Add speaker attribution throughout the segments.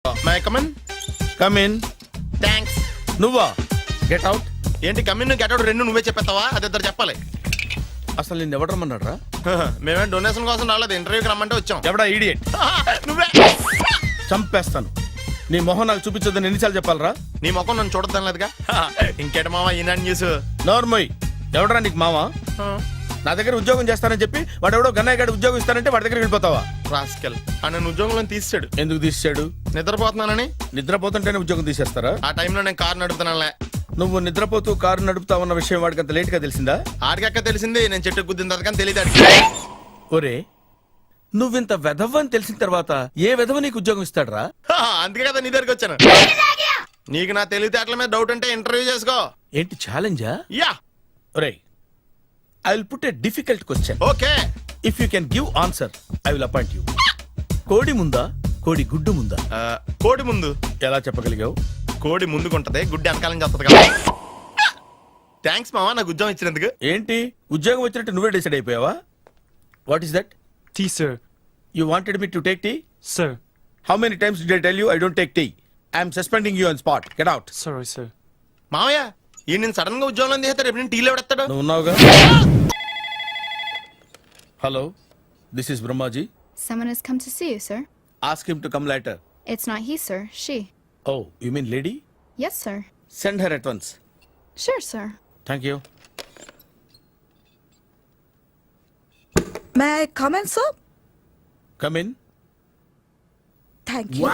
Speaker 1: My come on.
Speaker 2: Come in.
Speaker 1: Thanks.
Speaker 2: నువ్వా? Get out.
Speaker 1: ఏంటి come in get out రెండు నువ్వే చెప్పేస్తావా? అది ఇద్దరు చెప్పాలి.
Speaker 2: అసలు నిన్ను ఎవడు రమ్మన్నాడు రా?
Speaker 1: మేమే డొనేషన్ కోసం రాలేదు, ఇంటర్వ్యూకి రమ్మంటే వచ్చాం.
Speaker 2: ఎవడా ఈడియట్?
Speaker 1: నువ్వే.
Speaker 2: చంపేస్తాను. నీ మొహం నాకు చూపించొద్దని ఎన్నిసార్లు చెప్పాలరా?
Speaker 1: నీ ముఖం నన్ను చూడద్దాం లేదుగా. ఇంకేట మావా ఈనాడు న్యూస్.
Speaker 2: నోర్మోయ్. ఎవడరా నీకు మావా? నా దగ్గర ఉద్యోగం చేస్తానని చెప్పి వాడు ఎవడో గన్నయ్య గారి ఉద్యోగం ఇస్తానంటే వాడి దగ్గర వెళ్ళిపోతావా?
Speaker 1: రాస్కెల్. నన్ను ఉద్యోగంలో తీసాడు.
Speaker 2: ఎందుకు తీసాడు?
Speaker 1: నిద్రపోతున్నానని.
Speaker 2: నిద్రపోతుంటేనే ఉద్యోగం తీసేస్తారా?
Speaker 1: ఆ టైంలో నేను కారు నడుపుతున్నానులే.
Speaker 2: నువ్వు నిద్రపోతూ కారు నడుపుతావన్న విషయం వాడికి అంత లేట్ గా తెలిసిందా?
Speaker 1: ఆడికక్క తెలిసింది, నేను చెట్టు గుద్దిన తర్వాత కానీ తెలియదు.
Speaker 2: ఒరే, నువ్వింత వెధవ్ అని తెలిసిన తర్వాత ఏ వెధవ నీకు ఉద్యోగం ఇస్తాడరా?
Speaker 1: అందుకే కదా నీ దగ్గరికి వచ్చాను. నీకు నా తెలివితేటల మీద డౌట్ అంటే ఇంటర్వ్యూ చేసుకో.
Speaker 2: ఏంటి ఛాలెంజా?
Speaker 1: యా.
Speaker 2: ఒరే, I will put a difficult question.
Speaker 1: Okay.
Speaker 2: If you can give answer I will appoint you. కోడి ముందా, కోడి గుడ్డు ముందా?
Speaker 1: కోడి ముందు.
Speaker 2: ఎలా చెప్పగలిగావు?
Speaker 1: కోడి ముందుకుంటది, గుడ్డి వెనకాలని చేస్తుంది కదా. థ్యాంక్స్ మావా నాకు ఉద్యోగం ఇచ్చినందుకు.
Speaker 2: ఏంటి ఉద్యోగం వచ్చినట్టు నువ్వే డిసైడ్ అయిపోయావా? What is that?
Speaker 3: Tea, sir.
Speaker 2: You wanted me to take tea?
Speaker 3: Sir.
Speaker 2: How many times did I tell you I don't take tea? I am suspending you on spot. Get out.
Speaker 3: Sorry, sir.
Speaker 1: మావయ్య ఈ నేను sudden గా ఉద్యోగంలో తీస్తాడు, రేపు నేను టీలో పెడతాడు.
Speaker 2: నువ్వు ఉన్నావుగా? Hello, this is Brahmaji.
Speaker 4: Someone has come to see you, sir.
Speaker 2: Ask him to come later.
Speaker 4: It's not he, sir. She.
Speaker 2: Oh, you mean lady?
Speaker 4: Yes, sir.
Speaker 2: Send her at once.
Speaker 4: Sure, sir.
Speaker 2: Thank you.
Speaker 5: May I come in, sir?
Speaker 2: Come in.
Speaker 5: Thank you.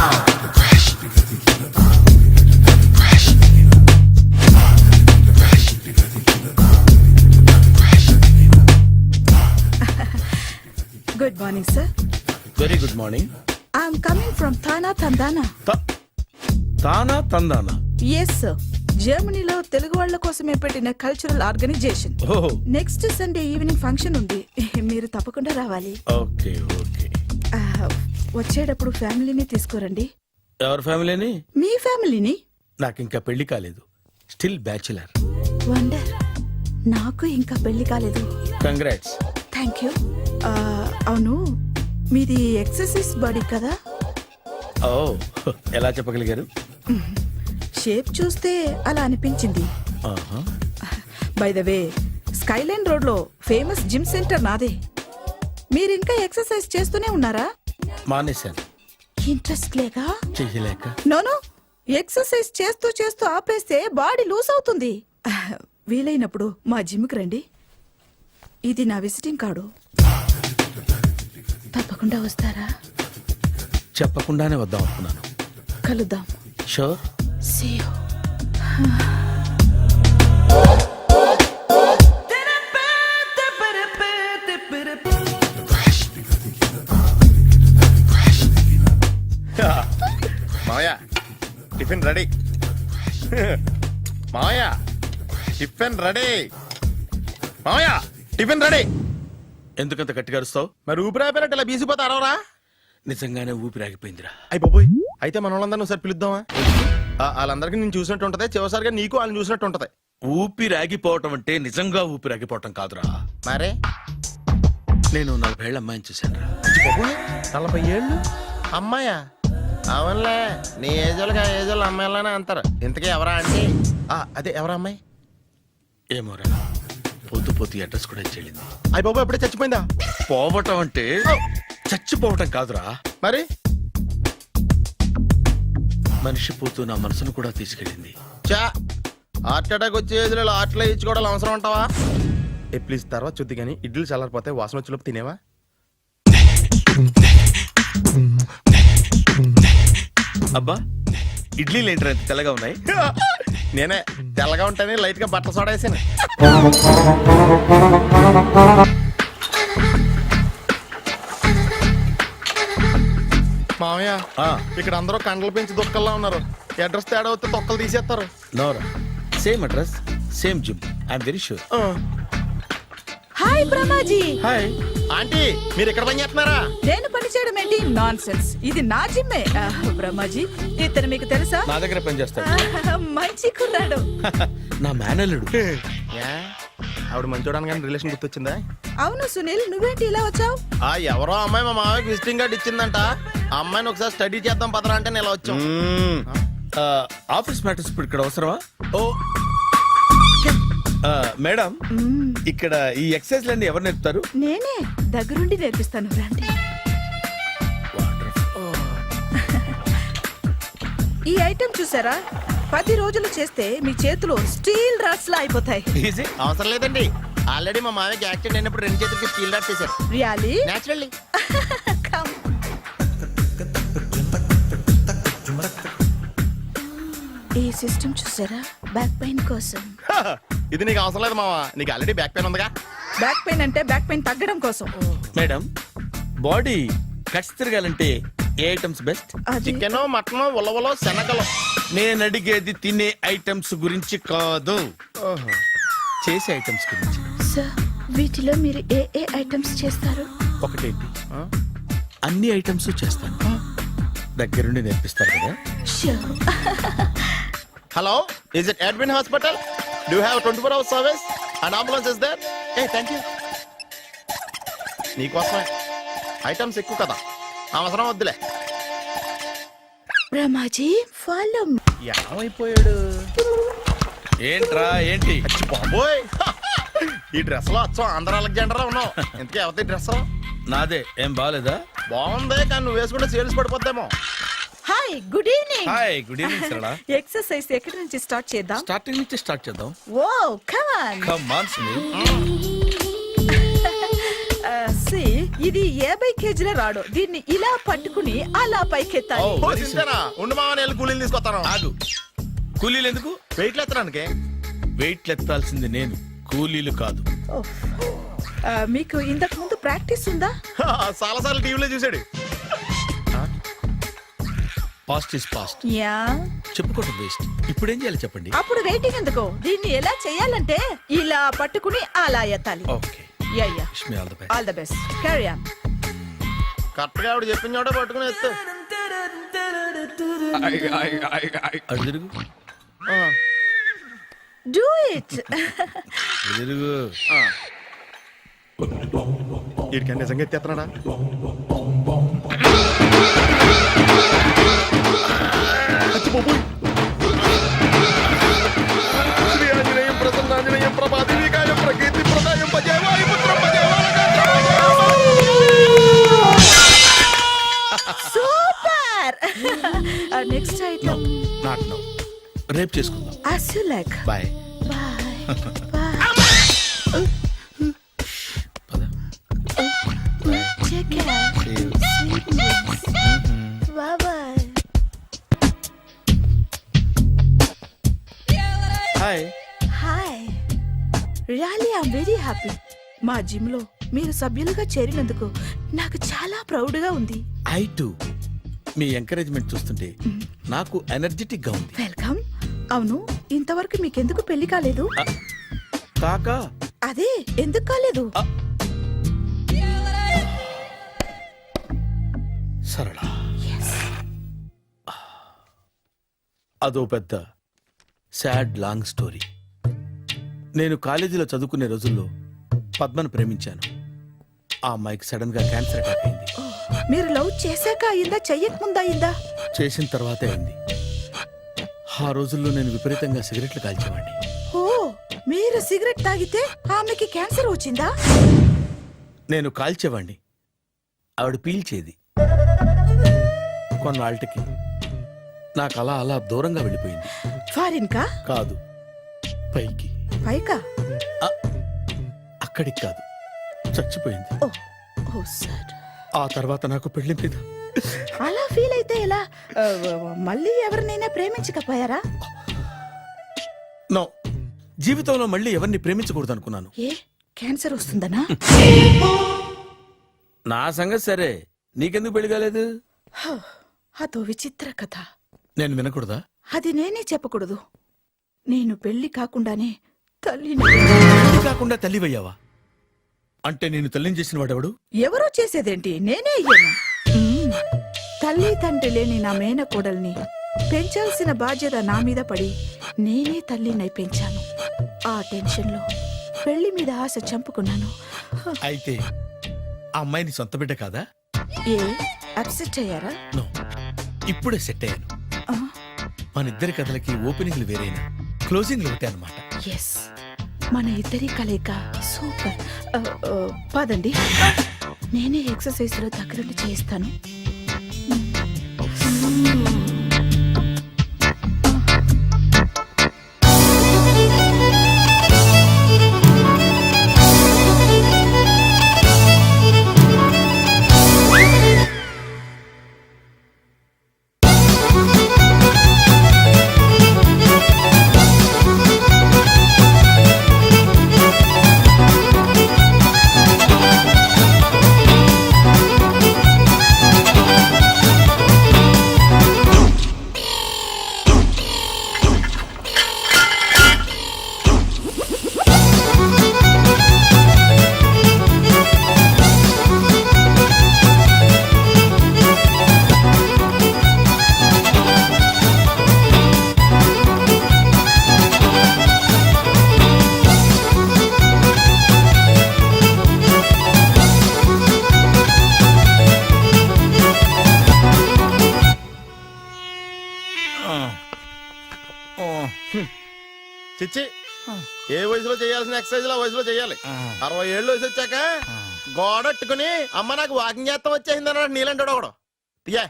Speaker 5: Good morning, sir.
Speaker 2: Very good morning.
Speaker 5: I'm coming from Thana, Tandana.
Speaker 2: తానా తందానా?
Speaker 5: Yes, sir. జర్మనీలో తెలుగు వాళ్ళ కోసమే పెట్టిన cultural organisation.
Speaker 2: ఓహో,
Speaker 5: next Sunday evening function ఉంది, మీరు తప్పకుండా రావాలి.
Speaker 2: Okay okay.
Speaker 5: వచ్చేటప్పుడు ఫ్యామిలీని తీసుకురండి.
Speaker 2: ఎవరి ఫ్యామిలీని?
Speaker 5: మీ ఫ్యామిలీని.
Speaker 2: నాకు ఇంకా పెళ్లి కాలేదు, స్టిల్ బ్యాచులర్.
Speaker 5: వండర్. నాకు ఇంకా పెళ్లి కాలేదు.
Speaker 2: కంగ్రాట్స్.
Speaker 5: Thank you. అవును, మీది ఎక్సర్సైజ్ బాడీ కదా?
Speaker 2: ఓ, ఎలా చెప్పగలిగారు?
Speaker 5: షేప్ చూస్తే అలా అనిపించింది. By the way, skyline road లో ఫేమస్ జిమ్ సెంటర్ నాదే. మీరింకా ఎక్సర్సైజ్ చేస్తూనే ఉన్నారా?
Speaker 2: మానేశాను.
Speaker 5: ఇంట్రెస్ట్ లేక?
Speaker 2: చెయ్యలేక.
Speaker 5: నోను, ఎక్సర్సైజ్ చేస్తూ చేస్తూ ఆపేస్తే బాడీ లూజ్ అవుతుంది. వీలైనప్పుడు మా జిమ్కి రండి. ఇది నా విజిటింగ్ కార్డు. తప్పకుండా వస్తారా?
Speaker 2: చెప్పకుండానే వద్దాం అనుకున్నాను.
Speaker 5: కలుద్దాం.
Speaker 2: షూర్.
Speaker 5: See you.
Speaker 1: మావయ్య టిఫిన్ రెడీ. మావయ్య టిఫిన్ రెడీ. మావయ్య టిఫిన్ రెడీ.
Speaker 2: ఎందుకంత గట్టిగా అరుస్తావు?
Speaker 1: మరి ఊపిరి అయిపోయినట్టు ఇలా బీసిపోతే అరవరా?
Speaker 2: నిజంగానే ఊపిరాగిపోయిందిరా.
Speaker 1: అయ్యి బాబోయ్, అయితే మన వాళ్ళందరినీ ఒకసారి పిలుద్దామా? వాళ్ళందరికీ నేను చూసినట్టు ఉంటది, చివరిసారిగా నీకు వాళ్ళని చూసినట్టు ఉంటది.
Speaker 2: ఊపిరాగిపోవటం అంటే నిజంగా ఊపిరాగిపోవటం కాదురా.
Speaker 1: మరే
Speaker 2: నేను 40 ఏళ్ల అమ్మాయిని చూశాను రా.
Speaker 1: 40 ఏళ్ళు అమ్మాయా? అవునులే, నీ ఏజోళ్ళకి ఆ ఏజోళ్ళు అమ్మాయిలానే అంటారు. ఇంతకీ ఎవరా అంటే? అదే ఎవరా అమ్మాయి?
Speaker 2: ఏమోరా, పొద్దు పొద్దు అడ్రస్ కూడా చెల్లింది.
Speaker 1: అయ్యి బాబు ఎప్పుడే చచ్చిపోయిందా?
Speaker 2: పోవటం అంటే చచ్చిపోవటం కాదురా.
Speaker 1: మరి
Speaker 2: మనిషి పోతూ నా మనసును కూడా తీసుకెళ్ళింది.
Speaker 1: చా, హార్ట్ అటాక్ వచ్చే ఏజ్లో హార్ట్లో ఇచ్చుకోవడం అవసరం అంటావా? ప్లీజ్ తర్వాత చూద్ది కానీ ఇడ్లీలు చల్లారిపోతే వాసన వచ్చేలోపు తినేవా?
Speaker 2: అబ్బా, ఇడ్లీలు ఏంటి అంత తెల్లగా ఉన్నాయి?
Speaker 1: నేనే తెల్లగా ఉంటానే లైట్ గా బట్టలు సోడా వేసాను. మామయ్య, ఇక్కడ అందరూ కండలు పెంచి దుక్కల్లా ఉన్నారు. అడ్రస్ తేడా వస్తే తొక్కలు తీసేస్తారు.
Speaker 2: నోరా, same address, same gym. I'm very sure.
Speaker 5: Hi Brahmaji.
Speaker 2: Hi
Speaker 1: aunty, మీరు ఇక్కడ పని చేస్తున్నారా?
Speaker 5: నేను పని చేయడం ఏంటి? Nonsense. ఇది నా జిమ్మే. బ్రహ్మాజీ, ఇతను మీకు తెలుసా?
Speaker 2: నా దగ్గర పని చేస్తాడు.
Speaker 5: మంచి కుర్రాడు.
Speaker 2: నా మేనల్లుడు.
Speaker 1: ఆవిడ మంచి చూడడానికి రిలేషన్ గుర్తొచ్చిందా?
Speaker 5: అవును సునీల్, నువ్వేంటి ఇలా వచ్చావు?
Speaker 1: ఎవరో అమ్మాయి మా మామయ్యకి విజిటింగ్ కార్డు ఇచ్చిందంట. ఆ అమ్మాయిని ఒకసారి స్టడీ చేద్దాం పదరా అంటే నేను ఇలా వచ్చాం.
Speaker 2: ఆఫీస్ మ్యాటర్స్ ఇప్పుడు ఇక్కడ అవసరమా? ఓ మేడం, ఇక్కడ ఈ ఎక్సర్సైజ్ లన్నీ ఎవరు నేర్పుతారు?
Speaker 5: నేనే దగ్గరుండి నేర్పిస్తాను, రండి. ఈ ఐటెం చూసారా? 10 రోజులు చేస్తే మీ చేతులు స్టీల్ రాట్స్ లా అయిపోతాయి.
Speaker 2: ఈజీ.
Speaker 1: అవసరం లేదండి, ఆల్రెడీ మా మామయ్యకి యాక్సిడెంట్ అయినప్పుడు 2 చేతులకి స్టీల్ డాట్ చేశారు.
Speaker 5: రియాలీ?
Speaker 1: నేచురల్లీ.
Speaker 5: ఈ సిస్టమ్ చూసారా? బ్యాక్ పెయిన్ కోసం.
Speaker 1: ఇది నీకు అవసరం లేదు మావా, నీకు ఆల్రెడీ బ్యాక్ పెయిన్ ఉందిగా.
Speaker 5: బ్యాక్ పెయిన్ అంటే బ్యాక్ పెయిన్ తగ్గడం కోసం.
Speaker 2: మేడం, బాడీ కట్స్ తిరగాలంటే ఏ ఐటమ్స్ బెస్ట్?
Speaker 5: అది
Speaker 1: చికెన్, మటన్, ఉలవలో, శనగలు.
Speaker 2: నేను అడిగేది తినే ఐటమ్స్ గురించి కాదు, చేసే ఐటమ్స్ గురించి.
Speaker 5: సార్, వీటిలో మీరు ఏ ఐటమ్స్ చేస్తారు?
Speaker 2: ఒకటేంటి, అన్ని ఐటమ్స్ చేస్తాను. దగ్గరుండి నేర్పిస్తారు కదా.
Speaker 5: Sure.
Speaker 1: Hello, is it admin hospital? Do have 24 hours service? And ambulance is there? A thank you. నీకోసమే ఐటమ్స్ ఎక్కువ కదా, అవసరం వద్దులే.
Speaker 5: రమాజీ, ఫాలో.
Speaker 1: ఏమైపోయాడు?
Speaker 2: ఏంట్రా ఏంటి?
Speaker 1: అచ్చి బాబోయ్, ఈ డ్రెస్ లో అచ్చం ఆంధ్ర అలెగ్జాండర్ ఉన్నావు. ఇంతకీ ఎవరి డ్రెస్?
Speaker 2: నాదే. ఏం బాగాలేదా?
Speaker 1: బాగుంది, కానీ నువ్వు వేసుకుంటే సేల్స్ పడిపోద్దేమో.
Speaker 5: Hi, good evening.
Speaker 2: Hi, good evening Sarala.
Speaker 5: Exercise ఎక్కడి నుంచి స్టార్ట్ చేద్దాం?
Speaker 2: స్టార్టింగ్ నుంచి స్టార్ట్ చేద్దాం.
Speaker 5: Oh come on.
Speaker 2: Come on Sunil.
Speaker 5: ఇది 50 కేజీల రాడు. దీన్ని ఇలా పట్టుకుని అలా పైకెత్తాలి.
Speaker 2: Oh.
Speaker 1: ఓ, సింతేనా? ఉండు మామ, నేను కూలీలు తీసుకొస్తాను.
Speaker 2: ఆగు. కూలీలు ఎందుకు?
Speaker 1: వెయిట్ ఎత్తడానికి.
Speaker 2: వెయిట్ ఎత్తాల్సింది నేను, కూలీలు కాదు.
Speaker 5: మీకు ఇంతకు ముందు ప్రాక్టీస్ ఉందా?
Speaker 1: చాలా సార్లు టీవీలో చూసాడు.
Speaker 2: Past is past.
Speaker 5: యా.
Speaker 2: చెప్పుకోవడం వేస్ట్. ఇప్పుడు ఏం చేయాలి చెప్పండి.
Speaker 5: అప్పుడు వెయిటింగ్ ఎందుకు? దీన్ని ఎలా చేయాలంటే ఇలా పట్టుకుని అలా ఎత్తాలి.
Speaker 2: Okay.
Speaker 5: Yeah yeah.
Speaker 2: Wish me all the best.
Speaker 5: All the best. Carry on.
Speaker 1: Correct గా ఆవిడ చెప్పిన చోట పట్టుకుని ఎత్తు.
Speaker 2: అటు తిరుగు.
Speaker 5: Do it.
Speaker 2: అటు తిరుగు.
Speaker 1: వీడికి నిజంగా ఎత్తేస్తున్నాడా? శ్రీ ఆంజనేయం ప్రసన్నాంజనేయం ప్రభాదివికాయం ప్రకీర్తి ప్రదాయం భజే వాయుపుత్రం భజే
Speaker 5: super. Next item.
Speaker 2: Not now. రేపు చేసుకుందాం.
Speaker 5: as you like.
Speaker 2: Bye.
Speaker 5: Bye.
Speaker 2: పద.
Speaker 5: Take care.
Speaker 2: See you.
Speaker 5: Sweet dreams. Bye bye.
Speaker 2: Hi.
Speaker 5: Hi. Really I'm very happy. మా జిమ్ లో మీరు సభ్యులుగా చేరినందుకు నాకు చాలా ప్రౌడ్ గా ఉంది.
Speaker 2: I to. మీ ఎంకరేజ్మెంట్ చూస్తుంటే నాకు ఎనర్జెటిక్ గా ఉంది.
Speaker 5: వెల్కమ్. అవును, ఇంతవరకు మీకెందుకు పెళ్లి కాలేదు?
Speaker 2: కాకా.
Speaker 5: అదే ఎందుకు కాలేదు?
Speaker 2: సరళ, అదో పెద్ద సాడ్ లాంగ్ స్టోరీ. నేను కాలేజీలో చదువుకునే రోజుల్లో పద్మను ప్రేమించాను. ఆ అమ్మాయికి సడన్ గా క్యాన్సర్ అటాక్ అయింది.
Speaker 5: మీరు లవ్ చేశాక అయిందా, చెయ్యక ముందా అయిందా?
Speaker 2: చేసిన తర్వాతే అయింది. ఆ రోజుల్లో నేను విపరీతంగా సిగరెట్లు కాల్చేవాడిని.
Speaker 5: ఓ, మీరు సిగరెట్ తాగితే ఆమెకి క్యాన్సర్ వచ్చిందా?
Speaker 2: నేను కాల్చేవాడిని, ఆవిడ పీల్చేది. కొన్నాళ్ళకి నాకు అలా అలా దూరంగా వెళ్ళిపోయింది.
Speaker 5: ఫారిన్ కా?
Speaker 2: కాదు, పైకి.
Speaker 5: పైకా?
Speaker 2: అక్కడికి కాదు, చచ్చిపోయింది.
Speaker 5: ఓ ఓ సార్.
Speaker 2: ఆ తర్వాత నాకు పెళ్లి మీద
Speaker 5: అలా ఫీల్ అయితే ఎలా? మళ్ళీ ఎవరినైనా ప్రేమించకపోయారా?
Speaker 2: నో, జీవితంలో మళ్ళీ ఎవరిని ప్రేమించకూడదు అనుకున్నాను.
Speaker 5: ఏ, క్యాన్సర్ వస్తుందనా?
Speaker 2: నా సంగతి సరే, నీకెందుకు పెళ్లి కాలేదు?
Speaker 5: అదో విచిత్ర కథ.
Speaker 2: నేను వినకూడదా?
Speaker 5: అది నేనే చెప్పకూడదు. నేను పెళ్లి కాకుండానే తల్లిని.
Speaker 2: పెళ్లి కాకుండా తల్లివయ్యావా? అంటే నేను తల్లిని చేసిన వాడెవడు?
Speaker 5: ఎవరో చేసేదేంటి, నేనే అయ్యాను. తల్లి తండ్రి లేని నా మేనకోడల్ని పెంచాల్సిన బాధ్యత నా మీద పడి నేనే తల్లినై పెంచాను. ఆ టెన్షన్లో పెళ్లి మీద ఆశ చంపుకున్నాను.
Speaker 2: అయితే ఆ అమ్మాయిని సొంత బిడ్డ కాదా?
Speaker 5: ఏ అప్సెట్ అయ్యారా?
Speaker 2: నో, ఇప్పుడే సెట్ అయ్యాను.
Speaker 5: ఆ,
Speaker 2: మన ఇద్దరి కథలకి ఓపెనింగ్లు వేరైనా క్లోజింగ్లు ఒకటే అనమాట.
Speaker 5: ఎస్, మన ఇద్దరి కలయిక సూపర్. పదండి, నేనే ఎక్సర్సైజ్ లో దగ్గరుండి చేయిస్తాను.
Speaker 1: చిచ్చి, ఏ వయసులో చేయాల్సిన ఎక్సర్సైజ్ ఆ వయసులో చేయాలి. 60 ఏళ్ళు వయసు వచ్చాక గోడట్టుకుని అమ్మ నాకు వాకింగ్ చేస్తాం వచ్చేసింది అన్నాడు నీలంటాడు ఒకడు. తీయా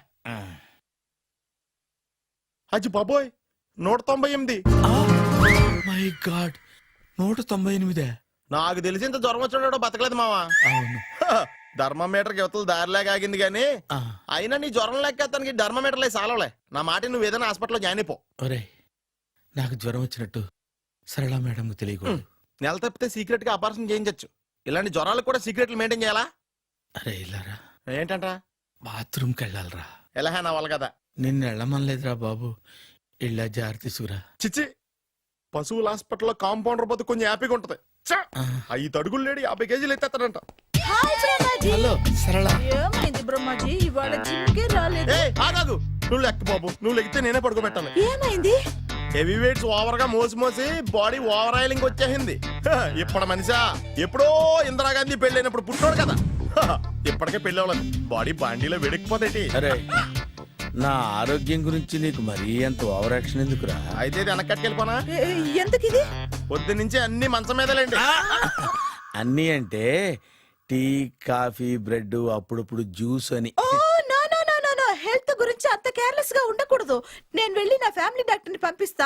Speaker 1: అచ్చి బాబోయ్, 198.
Speaker 2: My god, 198.
Speaker 1: నాకు తెలిసి ఇంత జ్వరం వచ్చాడో బతకలేదు మావా.
Speaker 2: అవును.
Speaker 1: ధర్మమీటర్ యువతలు దారిలాగా ఆగింది గానీ అయినా నీ జ్వరం లెక్క అతనికి ధర్మమీటర్లే సాలవలే. నా మాట నువ్వు ఏదైనా హాస్పిటల్లో జాయిన్ అయిపో.
Speaker 2: ఒరే, నాకు జ్వరం వచ్చినట్టు సరళ మేడం తెలియకూడదు.
Speaker 1: నెల తప్పితే సీక్రెట్ గా ఆపరేషన్ చేయించచ్చు. ఇలాంటి జ్వరాలకు కూడా సీక్రెట్లు మెయింటైన్ చేయాలా?
Speaker 2: అరే ఇల్లారా,
Speaker 1: ఏంటంటా?
Speaker 2: బాత్రూమ్కి వెళ్ళాలరా.
Speaker 1: ఎలా నా వాళ్ళ కదా.
Speaker 2: నిన్ను వెళ్ళమనలేదురా బాబు, ఇళ్ళ జారి తీసుకురా.
Speaker 1: చిచ్చి, పశువుల హాస్పిటల్లో కాంపౌండర్ పోతే కొంచెం హ్యాపీగా ఉంటది. 5 అడుగులు లేడి 50 కేజీలు ఎత్తేస్తాడంట.
Speaker 2: హలో సరళ.
Speaker 5: ఏమైంది బ్రహ్మాజీ, ఇవాళ జిమ్కే రాలేదు?
Speaker 1: ఆగాగు, నువ్వు లెక్క బాబు, నువ్వు లెక్కితే నేనే పడుకోబెట్టాలి.
Speaker 5: ఏమైంది?
Speaker 1: హెవీ వెయిట్స్ ఓవర్ గా మోసి బాడీ ఓవర్ ఆయిలింగ్ వచ్చేసింది. ఇప్పుడు మనిషా ఎప్పుడో ఇందిరాగాంధీ పెళ్ళైనప్పుడు పుట్టాడు కదా, ఇప్పటికే పెళ్ళి అవ్వలేదు. బాడీ బాండీలో వెడికిపోతేటి.
Speaker 2: అరే, నా ఆరోగ్యం గురించి నీకు మరీ అంత ఓవర్ యాక్షన్ ఎందుకురా?
Speaker 1: అయితే ఇది వెనక్కట్టుకెళ్ళిపోనా?
Speaker 5: ఎందుకు ఇది?
Speaker 1: పొద్దు నుంచి అన్ని మంచం మీదలేండి.
Speaker 2: అన్నీ అంటే టీ, కాఫీ, బ్రెడ్, అప్పుడప్పుడు జ్యూస్ అని.
Speaker 5: Oh no no no no no, health గురించి అంత కేర్లెస్ గా ఉండకూడదు. నేను వెళ్ళి నా ఫ్యామిలీ డాక్టర్ ని పంపిస్తా.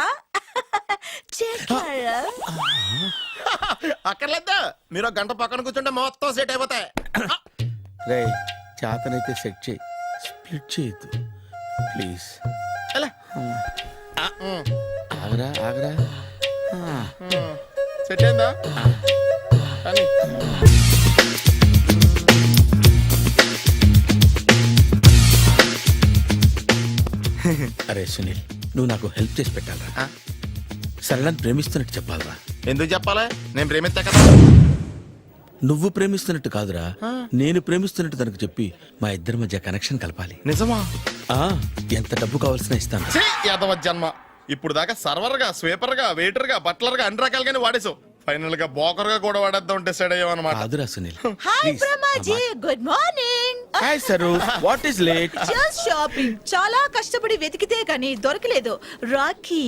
Speaker 1: అక్కర్లేదు, మీరు 1 గంట పక్కన కూర్చుంటే మొత్తం సెట్ అయిపోతాయి.
Speaker 2: రే, చేతనైతే సెట్ చేయి, స్ప్లిట్ చేయొద్దు ప్లీజ్.
Speaker 1: ఎలా?
Speaker 2: ఆగరా ఆగరా.
Speaker 1: సెట్ అయిందా? కానీ
Speaker 2: అరే సునీల్, నువ్వు నాకు హెల్ప్ చేసి పెట్టాలరా. సరళని ప్రేమిస్తున్నట్టు చెప్పాలరా.
Speaker 1: ఎందుకు చెప్పాలి? నేను ప్రేమిస్తా కదా.
Speaker 2: నువ్వు ప్రేమిస్తున్నట్టు కాదురా, నేను ప్రేమిస్తున్నట్టు తనకు చెప్పి మా ఇద్దరి మధ్య కనెక్షన్ కలపాలి.
Speaker 1: నిజమా?
Speaker 2: ఆ, ఎంత డబ్బు కావాల్సిన ఇస్తాను.
Speaker 1: యాదవ జన్మ, ఇప్పుడు దాకా సర్వర్ గా, స్వీపర్ గా, వెయిటర్ గా, బట్లర్ గా అన్ని రకాలుగానే వాడేసావు. ఫైనల్ గా బోకర్ గా కూడా వాడేద్దాం డిసైడ్ అయ్యామన్నమాట.
Speaker 2: కాదురా Sunil.
Speaker 5: Hi Brahmaji, good morning.
Speaker 2: Hi Saru, what is late?
Speaker 5: Just shopping. చాలా కష్టపడి వెతికితే కానీ దొరకలేదు. రాఖీ.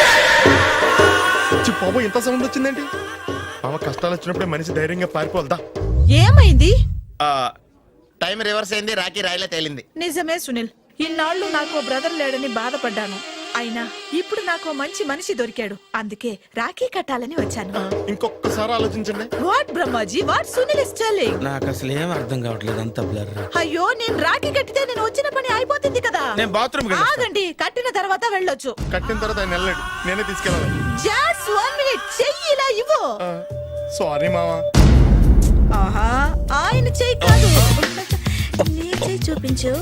Speaker 1: బాబు, ఇంత సౌండ్ వచ్చిందేంటి? మామ కష్టాలు వచ్చినప్పుడే మనిషి ధైర్యంగా పారిపోల్దా.
Speaker 5: ఏమైంది?
Speaker 1: టైం రివర్స్ అయింది, రాఖీ రాయిలా తేలింది.
Speaker 5: నిజమే సునీల్, ఇన్నాళ్ళు నాకు బ్రదర్ లేడని బాధపడ్డాను. అయినా ఇప్పుడు నాకు మంచి మనిషి దొరికాడు, అందుకే రాఖీ కట్టాలని వచ్చాను.
Speaker 1: ఇంకొకసారి ఆలోచించండి.
Speaker 5: What Brahmaji, what Sunil is telling?
Speaker 2: నాకు అసలు ఏం అర్థం కావట్లేదు, అంత బ్లర్.
Speaker 5: అయ్యో, నేను రాఖీ కట్టితే నేను వచ్చిన పని అయిపోతుంది కదా.
Speaker 2: నేను బాత్రూమ్
Speaker 5: ఆగండి, కట్టిన తర్వాత వెళ్ళొచ్చు.
Speaker 1: కట్టిన తర్వాత ఆయన వెళ్ళండి, నేనే తీసుకెళ్ళాలి.
Speaker 5: జస్ట్ 1 minute, చెయ్యి ఇలా ఇవ్వు.
Speaker 1: సారీ మావా.
Speaker 5: ఆహా, ఆయన చెయ్యి కాదు, నీ చెయ్యి చూపించు.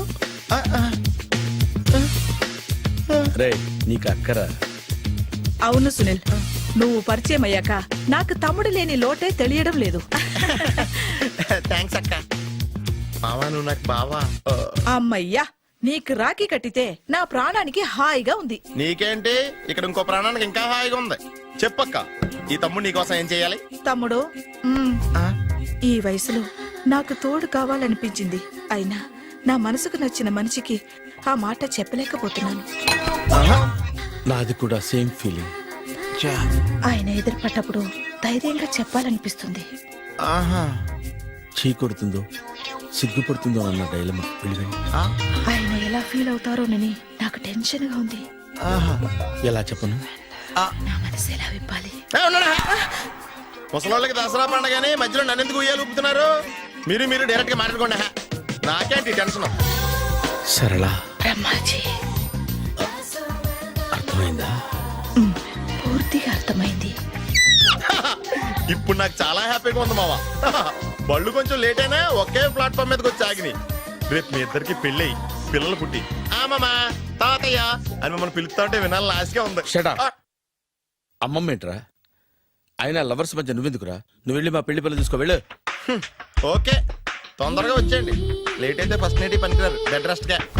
Speaker 2: రే, నీకు అక్కరా?
Speaker 5: అవును సునీల్, నువ్వు పరిచయం అయ్యాక నాకు తమ్ముడు లేని లోటే తెలియడం లేదు.
Speaker 1: థ్యాంక్స్ అక్క. మావా, నువ్వు నాకు బావా.
Speaker 5: అమ్మయ్యా, నీకు రాఖీ కట్టితే నా ప్రాణానికి హాయిగా ఉంది.
Speaker 1: నీకేంటి, ఇక్కడ ఇంకో ప్రాణానికి ఇంకా హాయిగా ఉంది. చెప్పక్క. ఈ తమ్ముడు నీకోసం ఏం చేయాలి?
Speaker 5: తమ్ముడు ఈ వయసులో నాకు తోడు కావాలనిపించింది. అయినా నా మనసుకు నచ్చిన మనిషికి ఆ మాట చెప్పలేకపోతున్నాను.
Speaker 2: నాది కూడా సేమ్ ఫీలింగ్.
Speaker 5: ఆయన ఎదురుపడ్డప్పుడు ధైర్యంగా చెప్పాలనిపిస్తుంది.
Speaker 2: చీ కొడుతుందో సిగ్గుపడుతుందో అన్న డైలమా వెళ్ళిపోయింది.
Speaker 5: ఆయన ఎలా ఫీల్ అవుతారోనని నాకు టెన్షన్ గా ఉంది.
Speaker 2: ఎలా చెప్పను?
Speaker 5: నా మనసు ఎలా విప్పాలి?
Speaker 1: ముసలోళ్ళకి దసరా పండగని మధ్యలో నన్ను ఎందుకు ఉయ్యాలు ఊపుతున్నారు? మీరు డైరెక్ట్ గా మాట్లాడుకోండి. నాకేంటి టెన్షన్?
Speaker 2: సరళ
Speaker 5: బ్రహ్మాజీ,
Speaker 2: అర్థమైందా?
Speaker 5: పూర్తిగా అర్థమైంది.
Speaker 1: ఇప్పుడు నాకు చాలా హ్యాపీగా ఉంది మావా. బళ్ళు కొంచెం లేట్ అయినా ఒకే ప్లాట్ఫామ్ మీదకి వచ్చి ఆగినాయి. రేపు మీ ఇద్దరికి పెళ్ళి పిల్లలు పుట్టి మామా తాతయ్య అని మమ్మల్ని పిలుస్తా ఉంటే వినాలని ఆశగా ఉంది.
Speaker 2: Shut up. అమ్మమ్మ ఏంట్రా? అయినా లవర్స్ మధ్య నువ్వెందుకురా? నువ్వు వెళ్ళి మా పెళ్లి పిల్లలు తీసుకో వెళ్ళు.
Speaker 1: ఓకే, తొందరగా వచ్చేయండి. లేట్ అయితే ఫస్ట్ నైట్ పనికిరారు. బెడ్ రెస్ట్ గా.